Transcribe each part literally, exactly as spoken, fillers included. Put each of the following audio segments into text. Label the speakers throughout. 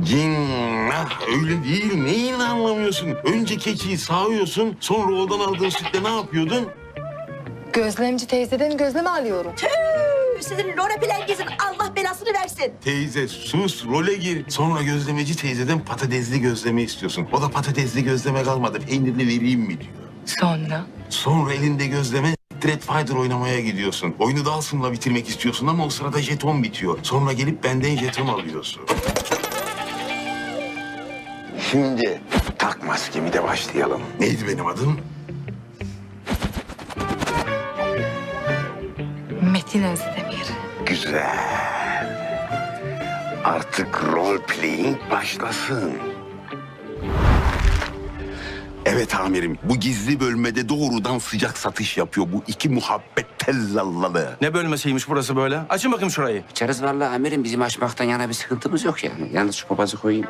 Speaker 1: Cinnah öyle değil. Neyini anlamıyorsun? Önce keçiyi sağıyorsun. Sonra odan aldığın sütle ne yapıyordun?
Speaker 2: Gözlemci teyzeden gözleme alıyorum.
Speaker 3: Tüh, sizin role plengizin Allah belasını versin.
Speaker 1: Teyze sus role gir. Sonra gözlemeci teyzeden patatesli gözleme istiyorsun. O da patatesli gözleme kalmadı. Peynirli vereyim mi diyor.
Speaker 2: Sonra?
Speaker 1: Sonra elinde gözleme Street Fighter oynamaya gidiyorsun. Oyunu Dawson'la bitirmek istiyorsun ama o sırada jeton bitiyor. Sonra gelip benden jeton alıyorsun. Şimdi tak maskemi de başlayalım. Neydi benim adım?
Speaker 2: Metin Özdemir.
Speaker 1: Güzel. Artık role playing başlasın. Evet amirim, bu gizli bölmede doğrudan sıcak satış yapıyor bu iki muhabbet tellallalı.
Speaker 4: Ne bölmesiymiş burası böyle? Açın bakayım şurayı.
Speaker 5: İçeriz vallahi amirim. Bizim açmaktan yana bir sıkıntımız yok yani. Yalnız şu papazı koyayım.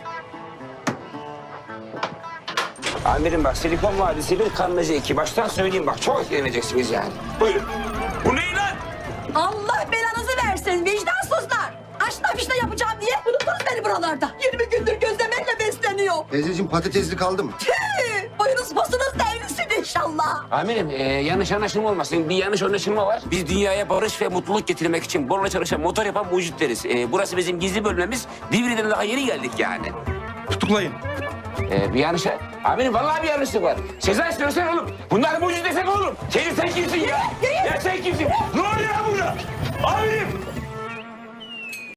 Speaker 5: Amirim bak Silikon Vadisi bir, Kanlıca iki. Baştan söyleyeyim bak çok etkileneceksiniz yani. Buyurun.
Speaker 4: Bu ne lan?
Speaker 3: Allah belanızı versin vicdansızlar. Aşna fişne yapacağım diye unuttunuz beni buralarda. yirmi gündür gözlemeyle besleniyor.
Speaker 6: Teyzeciğim patatesli kaldı mı?
Speaker 3: Tüh, boyunuz posunuz devrilsin inşallah.
Speaker 5: Amirim e, yanlış anlaşılma olmasın. Bir yanlış anlaşılma var. Biz dünyaya barış ve mutluluk getirmek için borla çalışan, motor yapan mucitleriz. E, burası bizim gizli bölmemiz. Divri'den daha yeni geldik yani.
Speaker 4: Tutuklayın.
Speaker 5: E, bir yanlış... Amirim vallahi bir yanlışlık var. Sezai söylesene oğlum. Bunlar mucit desene oğlum. Senin sen kimsin ya? Ya sen kimsin? Ne oluyor lan burada? Amirim!